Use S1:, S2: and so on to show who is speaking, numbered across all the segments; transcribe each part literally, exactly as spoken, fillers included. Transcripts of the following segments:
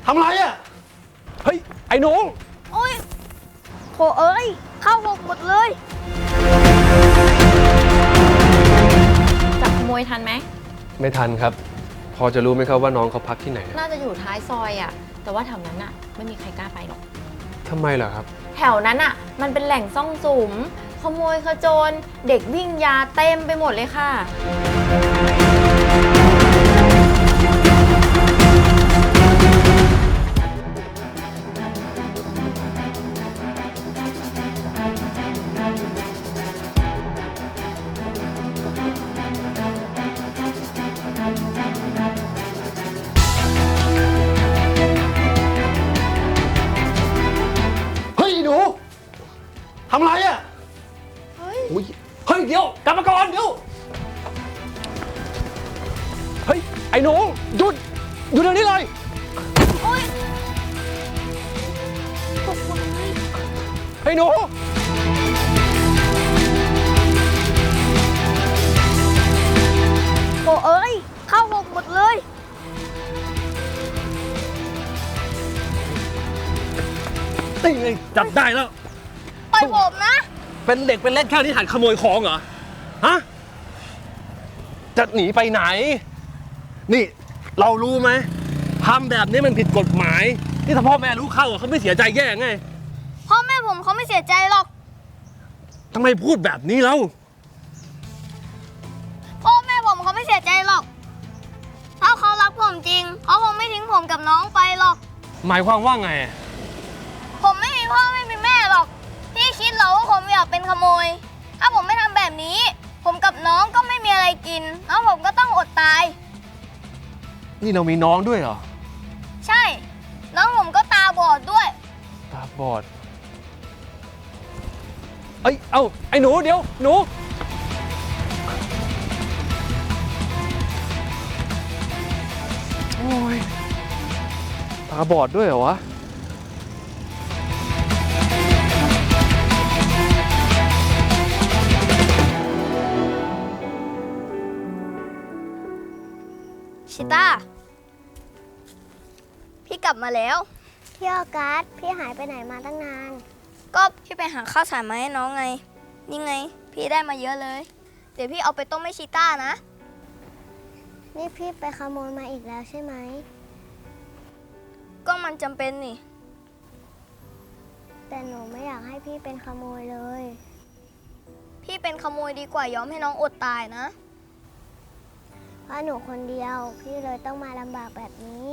S1: ทำไรอ่ะเฮ้ยไอ้หนู
S2: โอ้ยโถเอ้ยเข้าหกหมดเลย
S3: จับขโมยทันไหม
S1: ไม่ทันครับพอจะรู้ไหมครับว่าน้องเขาพักที่ไหน
S3: น่าจะอยู่ท้ายซอยอ่ะแต่ว่าแถวนั้นอ่ะไม่มีใครกล้าไปหรอก
S1: ทำไมล่ะครับ
S3: แถวนั้นอ่ะมันเป็นแหล่งซ่องสุมขโมยขโจรเด็กวิ่งยาเต็มไปหมดเลยค่ะ
S1: ทำไรอ่ะเฮ้ยเฮ้ยเดี๋ยวกลับมาก่อนเดี๋ยวเฮ้ยไอ้หนูหยุดหยุดเดี๋ยวนี้เลย
S2: โอ๊ยตกใจ
S1: ไอ้หนู
S2: โถเอ้ยเข้าหกหมดเลย
S1: นี่ไงจับได้แล้ว
S2: ปล่อยผมนะ
S1: เป็นเด็กเป็นเล็กแค่นี้หัดขโมยของเหรอฮะจะหนีไปไหนนี่เรารู้ไหมทำแบบนี้มันผิดกฎหมายนี่ถ้าพ่อแม่รู้เข้าเขาไม่เสียใจแย่ไง
S2: พ่อแม่ผมเขาไม่เสียใจหรอก
S1: ทำไมพูดแบบนี้แล้ว
S2: พ่อแม่ผมเขาไม่เสียใจหรอกถ้าเขารักผมจริงเขาคงไม่ทิ้งผมกับน้องไปหรอก
S1: หมายความว่าไง
S2: ผมไม่มีพ่อไม่มีแม่หรอกพี่คิดเหรอว่าผมอยากเป็นขโมยถ้าผมไม่ทำแบบนี้ผมกับน้องก็ไม่มีอะไรกินแล้วผมก็ต้องอดตาย
S1: นี่เรามีน้องด้วยเหรอ
S2: ใช่น้องผมก็ตาบอดด้วย
S1: ตาบอดเอ้ยเอ้าไอ้หนูเดี๋ยวหนูโอ้ยตาบอดด้วยเหรอวะ
S2: ชิต้าพี่กลับมาแล้ว
S4: พี่ออกัสพี่หายไปไหนมาตั้งนาน
S2: ก็พี่ไปหาข้าวสารมาให้น้องไงนี่ไงพี่ได้มาเยอะเลยเดี๋ยวพี่เอาไปต้มให้ชิต้านะ
S4: นี่พี่ไปขโมยมาอีกแล้วใช่ไหม
S2: ก็มันจำเป็นนี่
S4: แต่หนูไม่อยากให้พี่เป็นขโมยเลย
S2: พี่เป็นขโมยดีกว่ายอมให้น้องอดตายนะ
S4: เพราะหนูคนเดียวพี่เลยต้องมาลำบากแบบนี้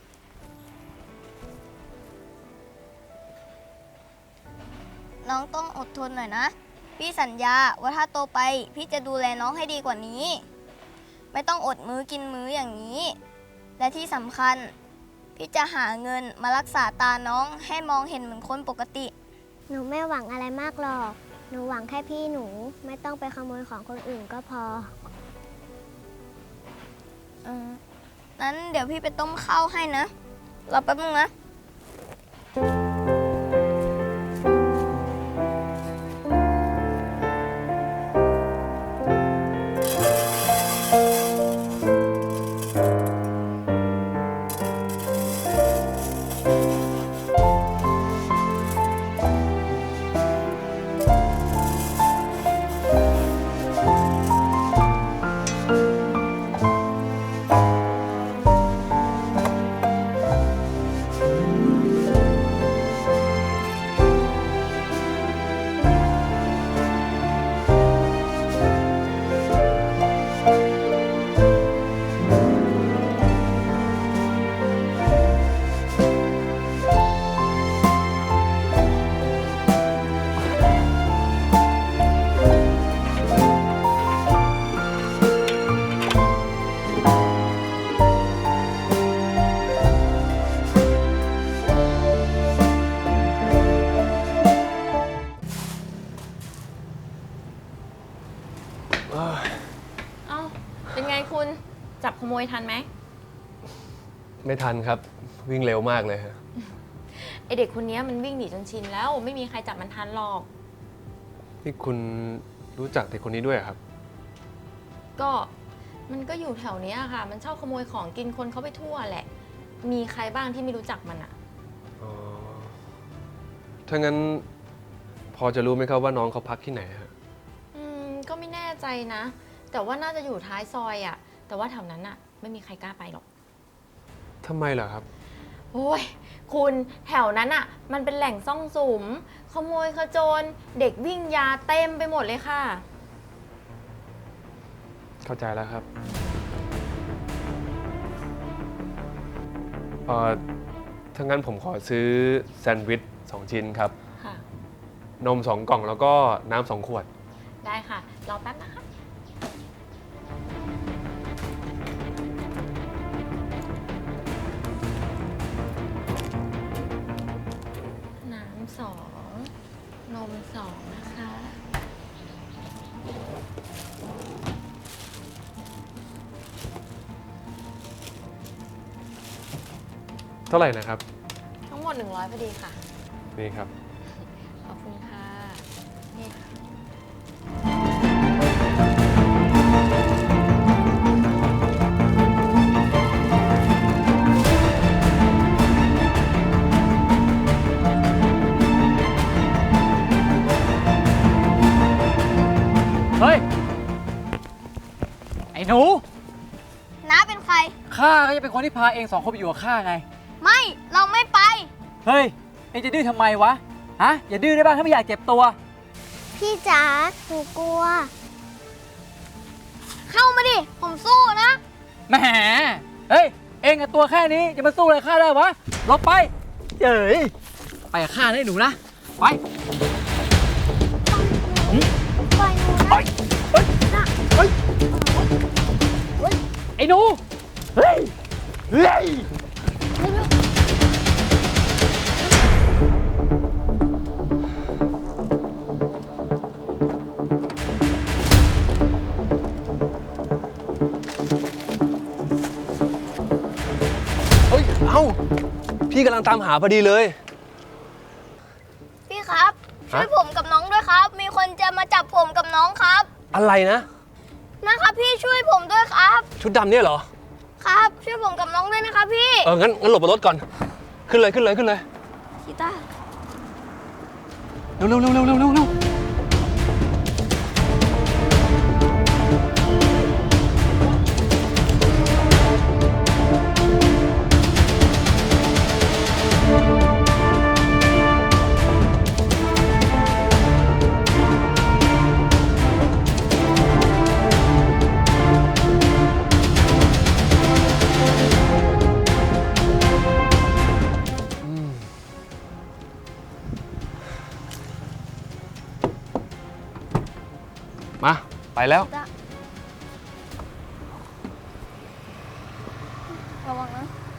S2: น้องต้องอดทนหน่อยนะพี่สัญญาว่าถ้าโตไปพี่จะดูแลน้องให้ดีกว่านี้ไม่ต้องอดมื้อกินมื้ออย่างนี้และที่สำคัญพี่จะหาเงินมารักษาตาน้องให้มองเห็นเหมือนคนปกติ
S4: หนูไม่หวังอะไรมากหรอกหนูหวังแค่พี่หนูไม่ต้องไปขโมยของคนอื่นก็พอ
S2: เออนั้นเดี๋ยวพี่ไปต้มข้าวให้นะรอแป๊บนึงนะ
S3: จับขโมยทันไหม
S1: ไม่ทันครับวิ่งเร็วมากเลยฮะ
S3: ไอเด็กคนนี้มันวิ่งหนีจนชินแล้วไม่มีใครจับมันทันหรอก
S1: นี่คุณรู้จักเด็กคนนี้ด้วยครับ
S3: ก็มันก็อยู่แถวนี้ค่ะมันชอบขโมยของกินคนเขาไปทั่วแหละมีใครบ้างที่ไม่รู้จักมันอะ
S1: อ๋อ ถ้างั้นพอจะรู้ไหมครับว่าน้องเขาพักที่ไหนฮะ
S3: อืมก็ไม่แน่ใจนะ แต่ว่าน่าจะอยู่ท้ายซอยอะแต่ว่าแถวนั้นอะไม่มีใครกล้าไปหรอก
S1: ทำไมเหรอครับ
S3: โอ้ยคุณแถวนั้นอะมันเป็นแหล่งซ่องสุม ขโมยขโจร เด็กวิ่งยาเต็มไปหมดเลยค่ะ
S1: เข้าใจแล้วครับ เอ่อ ถ้างั้นผมขอซื้อแซนด์วิชสองชิ้นครับ
S3: ค่ะ
S1: นมสองกล่องแล้วก็น้ำสองขวด
S3: ได้ค่ะ รอแป๊บนะคะ น้ำสอง นมสองนะคะ
S1: เท่าไหร่นะครับ
S3: ทั้งหมด หนึ่งร้อยพอดีค่ะ
S1: นี่ครับ
S3: ขอบคุณค่ะ นี่ค่ะ
S5: เฮ้ย ไอ้หนู
S2: น้าเป็นใคร
S5: ข้าก็จะเป็นคนที่พาเองสองคนไปอยู่กับข้าไง
S2: ไม่ เราไม่ไป
S5: เฮ้ย เองจะดื้อทำไมวะ ฮะ อย่าดื้อได้บ้างถ้าไม่อยากเจ็บตัว
S4: พี่จ๋าหนูกลัว
S2: เข้ามาดิ ผมสู้นะ
S5: แหม เฮ้ย เองกับตัวแค่นี้จะมาสู้อะไรข้าได้วะหลบไปเจ๋ยไปกับข้าได้หนูนะ ไป
S4: ปล่อยหนูนะ
S5: ไปเฮ้ยเฮ้ยไอ้หนู เฮ้ย เฮ้ย
S1: เฮ้ย เอ้า พี่กำลังตามหาพอดีเลย
S2: พี่ครับ ช่วย
S1: ฮะ
S2: ผมกับน้องด้วยครับ มีคนจะมาจับผมกับน้องครับ
S1: อะไรนะ
S2: นะครับพี่ช่วยผมด้วยครับ
S1: ชุดดำเนี่ยเหรอ
S2: ครับ ช่วยผมกับน้องด้วยนะครับพี่
S1: เออ งั้นงั้นหลบบนรถก่อน ขึ้นเลยขึ้นเลยขึ้นเลย
S2: กีตาร์
S1: เร็วเร็วเร็วเร็วเร็วเร็วเร็วมา ไปแล้ว
S2: ระวังนะ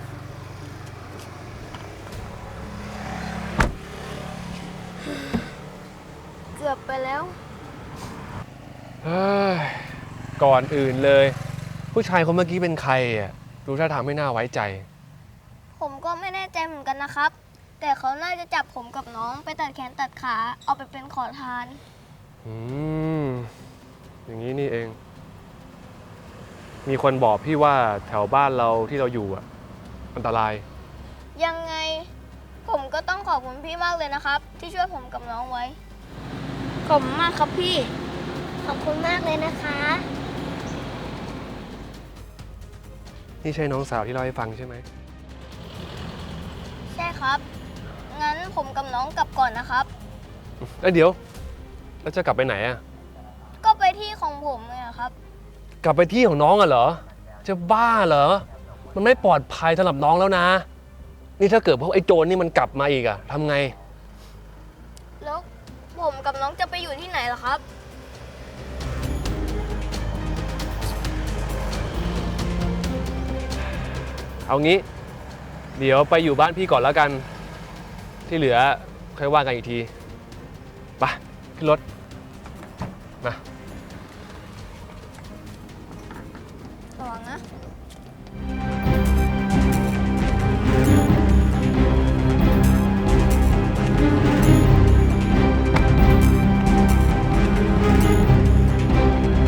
S2: เกือบไปแล้ว
S1: เฮ้ย ก่อนอื่นเลย ผู้ชายคนเมื่อกี้เป็นใครอ่ะ ดูท่าทางไม่น่าไว้ใจ
S2: ผมก็ไม่แน่ใจเหมือนกันนะครับ แต่เขาน่าจะจับผมกับน้องไปตัดแขนตัดขา เอาไปเป็นขอทาน
S1: อืม อย่างนี้นี่เอง มีคนบอกพี่ว่าแถวบ้านเราที่เราอยู่อ่ะ อันตราย
S2: ยังไง ผมก็ต้องขอบคุณพี่มากเลยนะครับ ที่ช่วยผมกับน้องไว้ ขอบคุณมากครับพี่
S4: ขอบคุณมากเลยนะคะ
S1: นี่ใช่น้องสาวที่เล่าให้ฟังใช่ไหม
S2: ใช่ครับ งั้นผมกับน้องกลับก่อนนะครับ
S1: แล้วเดี๋ยว แล้วจะกลับไปไหนอ่ะ
S2: ก็ไปที่ของผมเลยอะครับ
S1: กลับไปที่ของน้องอ่ะเหรอ จะบ้าเหรอ มันไม่ปลอดภัยสำหรับน้องแล้วนะ นี่ถ้าเกิดพวกไอ้โจรนี่มันกลับมาอีกอ่ะทำไง
S2: แล้วผมกับน้องจะไปอยู่ที่ไหนล่ะครับ
S1: เอางี้ เดี๋ยวไปอยู่บ้านพี่ก่อนแล้วกัน ที่เหลือค่อยว่ากันอีกทีไปขึ้นรถ มา
S2: ระวังนะ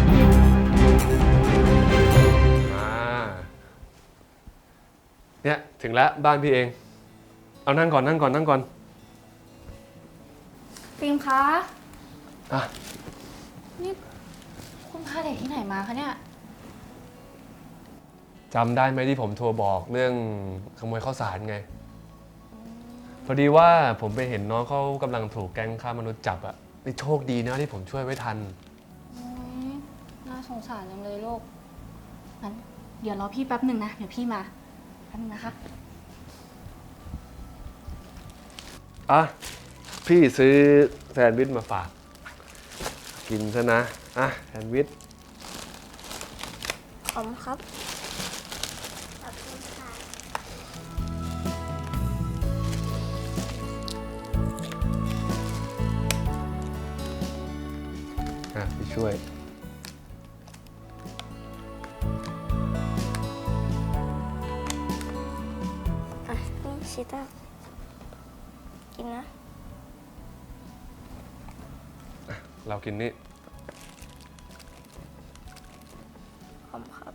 S1: มา เนี่ยถึงแล้วบ้านพี่เอง เอานั่งก่อนนั่งก่อนนั่งก่อน
S3: ฟิล์มคะ
S1: อ่ะ
S3: นี่คุณพาเด็กที่ไหนมาคะเนี่ย
S1: จำได้ไหมที่ผมโทรบอกเรื่องขโมยข้าวสารไง พอดีว่าผมไปเห็นน้องเขากำลังถูกแก๊งค้ามนุษย์จับอะนี่โชคดีนะที่ผมช่วยไว้ทัน
S3: โอ้ยน่าสงสารจังเลยลูก งั้นเดี๋ยวรอพี่แป๊บหนึ่งนะ เดี๋ยวพี่มา แป๊บนึงนะคะ
S1: อ่ะ พี่ซื้อแซนด์วิชมาฝาก กินซะนะ อ่ะแซนด์วิช
S2: ขอบคุณครับ
S4: ขอบคุณค่ะ
S1: อ่ะพี่ช่วย
S2: อ่ะ นี่ชิต้ากินนะ
S1: เรากินนี่
S2: ขอบคุณครับ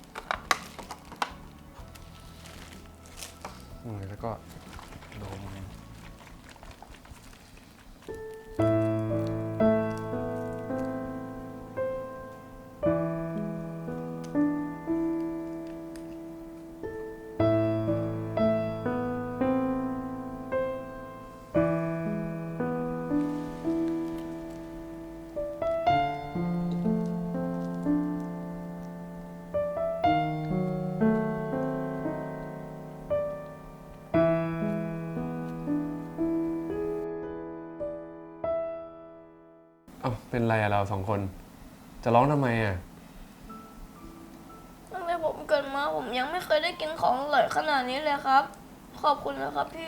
S1: อืมแล้วก็นม เอ้าเป็นไรอะเราสองคน จะร้องทำไมอะ
S2: ตั้งแต่ผมเกิดมาผมยังไม่เคยได้กินของอร่อยขนาดนี้เลยครับ ขอบคุณนะครับพี่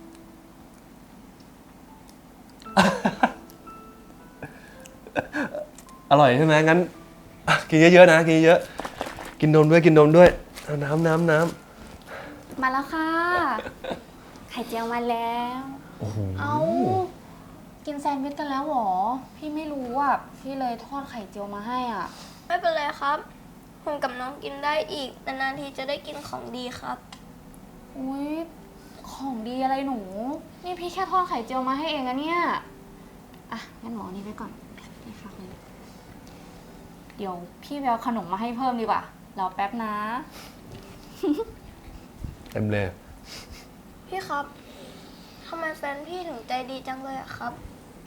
S1: อร่อยใช่ไหมงั้นอ่ะกินเยอะๆนะ กินเยอะๆกินนมด้วยกินนมด้วยเอาน้ำน้ำน้
S3: มาแล้วค่ะ ไข่เจียวมาแล้ว
S1: ำโอ้โห
S3: เอากินแซนด์วิชกันแล้วเหรอ พี่ไม่รู้อ่ะ พี่เลยทอดไข่เจียวมาให้อ่ะ
S2: ไม่เป็นไรครับ ผมกับน้องกินได้อีก นานๆทีจะได้กินของดีครับ
S3: อุ้ยของดีอะไรหนู นี่พี่แค่ทอดไข่เจียวมาให้เองอะเนี่ย อ่ะ งั้นหมอนี่ไว้ก่อนนี่ฝากเลยเดี๋ยวพี่ไปเอาขนมมาให้เพิ่มดีกว่า รอแป๊บนะ
S1: เต็มเลย
S2: พี่ครับทำไมแฟนพี่ถึงใจดีจังเลยอะครับ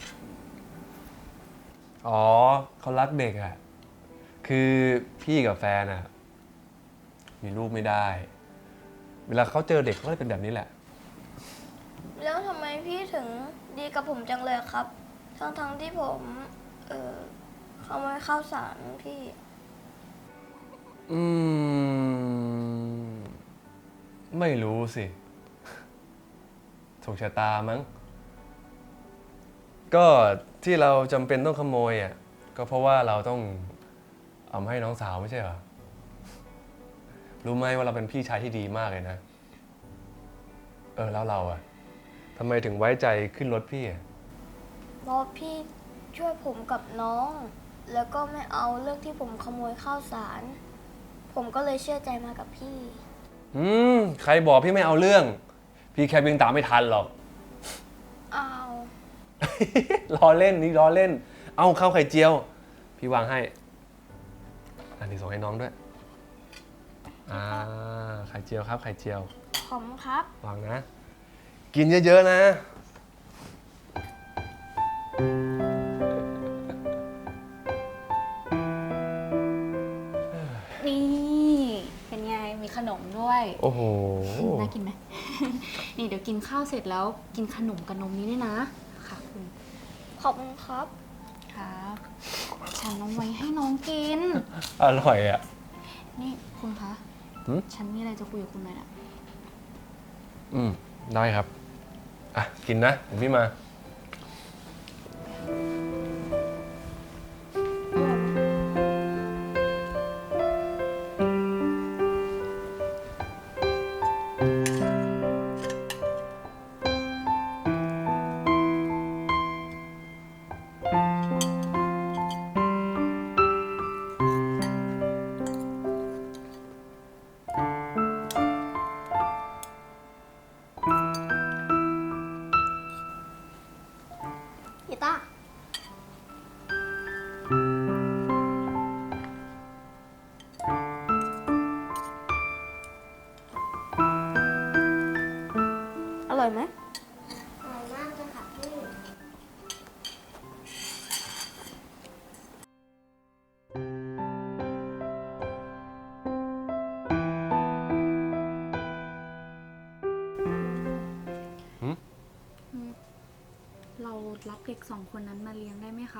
S1: อ๋อเขารักเด็กอะคือพี่กับแฟนอะมีลูกไม่ได้ เวลาเขาเจอเด็กเขาก็เลยเป็นแบบนี้แหละ
S2: แล้วทำไมพี่ถึงดีกับผมจังเลยครับ ทั้งๆที่ผม เออขโมยข้าวสารพี่
S1: อืม ไม่รู้สิถูกชะตามั้ง ก็ที่เราจำเป็นต้องขโมยอ่ะก็เพราะว่าเราต้องเอามาให้น้องสาวไม่ใช่เหรอ รู้ไหมว่าเราเป็นพี่ชายที่ดีมากเลยนะ เออแล้วเราอ่ะทำไมถึงไว้ใจขึ้นรถพี่อ่ะ
S2: เพราะพี่ช่วยผมกับน้อง แล้วก็ไม่เอาเรื่องที่ผมขโมยข้าวสาร ผมก็เลยเชื่อใจมากับพี่
S1: อืมใครบอกพี่ไม่เอาเรื่อง พี่แค่วิ่งตามไม่ทันหรอก
S2: อ้าว
S1: ล้อเล่นนี่ล้อเล่น เอาข้าวไข่เจียว พี่วางให้ อันนี้ส่งให้น้องด้วย อ่า ไข่เจียวครับไข่เจียว
S2: ขอบคุณครับ
S1: วางนะ กินเยอะๆนะ
S3: นี่ เป็นไง มีขนมด้วย
S1: โอ้โห
S3: น่ากินไหม นี่เดี๋ยวกินข้าวเสร็จแล้วกินขนมกับนมนี้ด้วยนะ ค่ะคุณ
S2: ขอบคุณครับ
S3: ครับ ฉันเอาไว้ให้น้องกิน
S1: อร่อยอ่ะ
S3: นี่คุณคะ
S1: หืม
S3: ฉันมีอะไรจะคุยกับคุณหน่อยนะ
S1: อืม ได้ครับ อ่ะ กินนะเดี๋ยวพี่มา
S3: กสองคนนั้นมาเลี้ยงได้ไหมคะ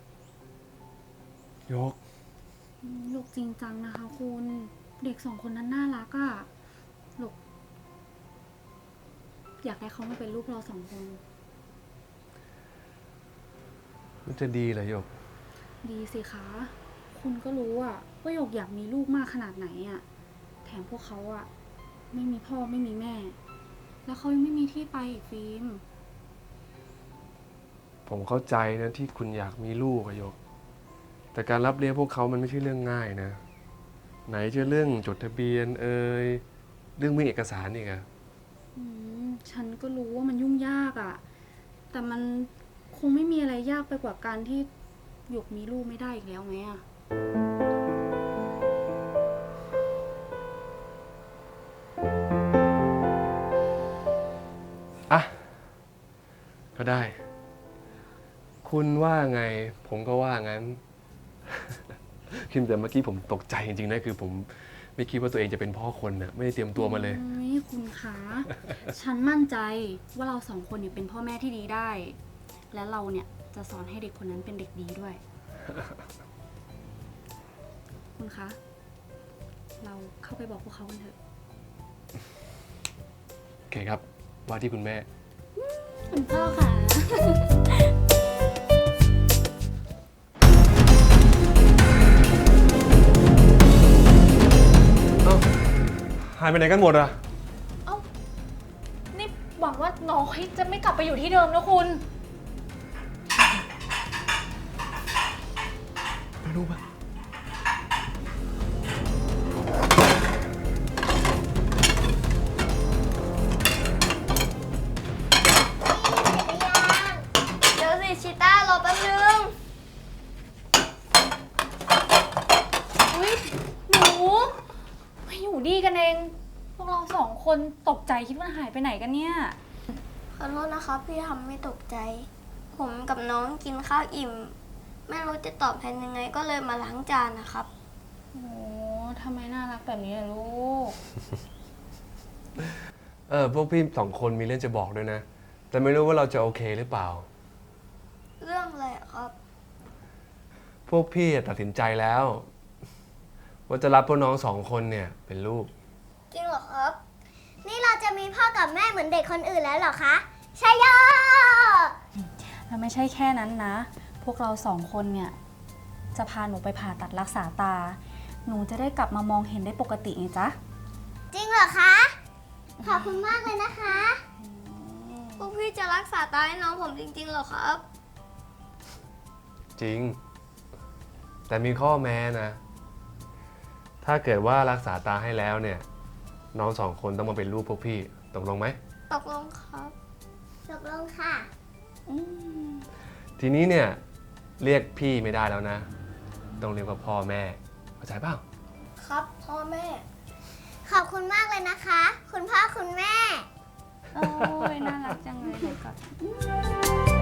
S1: ยก
S3: อืมหยกจริงจังนะคะคุณ เด็กสองคนนั้นน่ารักอะหยกอยากให้เขามาเป็นลูกเราสองคน
S1: มันจะดีเหรอหยก
S3: ดีสิคะ คุณก็รู้อะว่าหยกอยากมีลูกมากขนาดไหนอะแถมพวกเขาอะไม่มีพ่อไม่มีแม่ แล้วเขายังไม่มีที่ไปอีกฟิล์ม
S1: ผมเข้าใจนะที่คุณอยากมีลูกอะหยก แต่การรับเลี้ยงพวกเขามันไม่ใช่เรื่องง่ายนะ ไหนจะเรื่องจดทะเบียนเอ่ยเรื่องมีเอกสารอีกอะ
S3: อืมฉันก็รู้ว่ามันยุ่งยากอะแต่มันคงไม่มีอะไรยากไปกว่าการที่หยกมีลูกไม่ได้อีกแล้วไหมอะ
S1: อ่ะ ก็ได้ คุณว่าไง ผมก็ว่างั้น คิมแต่เมื่อกี้ผมตกใจจริงๆนะคือผมไม่คิดว่าตัวเองจะเป็นพ่อคนนะไม่ได้เตรียมตัวมาเลย
S3: อุ๊ยคุณคะ ฉันมั่นใจว่าเราสองคนเนี่ยเป็นพ่อแม่ที่ดีได้ และเราเนี่ยจะสอนให้เด็กคนนั้นเป็นเด็กดีด้วย คุณคะ เราเข้าไปบอกพวกเขากันเถอะ
S1: โอเคครับ ว่าที่คุณแม่
S3: คุณพ่อค่ะ
S1: เอ้า หายไปไหนกันหมดอะ
S3: เอ้า นี่หวังว่าน้องจะไม่กลับไปอยู่ที่เดิมนะคุณ
S1: ไม่รู้ปะ
S2: เดี๋ยวสิชิต้ารอแป๊บนึง
S3: อุ้ยหนูมาอยู่ดีกันเอง พวกเราสองคนตกใจคิดว่าหายไปไหนกันเนี่ย
S2: ขอโทษนะครับพี่ทำไม่ตกใจ ผมกับน้องกินข้าวอิ่ม ไม่รู้จะตอบแทนยังไงก็เลยมาล้างจานนะครับ
S3: โอ้ทำไมน่ารักแบบนี้อะลูก
S1: เออ พวกพี่สองคนมีเรื่องจะบอกด้วยนะ แต่ไม่รู้ว่าเราจะโอเคหรือเปล่า
S2: เรื่องอะไรอะครับ
S1: พวกพี่ตัดสินใจแล้ว ว่าจะรับพวกน้องสองคนเนี่ยเป็นลูก
S2: จริงเหรอครับ
S4: นี่เราจะมีพ่อกับแม่เหมือนเด็กคนอื่นแล้วเหรอคะใช่ยอ
S3: แล้วไม่ใช่แค่นั้นนะ พวกเราสองคนเนี่ย จะพาหนูไปผ่าตัดรักษาตา หนูจะได้กลับมามองเห็นได้ปกติไงจ๊ะ
S4: จริงเหรอคะ ขอบคุณมากเลยนะคะ
S2: พวกพี่จะรักษาตาให้น้องผมจริงๆเหรอครับ
S1: จริง แต่มีข้อแม้นะ ถ้าเกิดว่ารักษาตาให้แล้วเนี่ย น้องสองคนต้องมาเป็นลูกพวกพี่ตกลงไหม
S2: ตกลงครับ
S4: ตกลงค่ะ
S3: อืม
S1: ทีนี้เนี่ยเรียกพี่ไม่ได้แล้วนะ ต้องเรียกว่าพ่อแม่เข้าใจเปล่า
S2: ครับพ่อแม่
S4: ขอบคุณมากเลยนะคะ คุณพ่อคุณแม่
S3: โอ้ยน่ารักจังเลยเดี๋ยวก่อน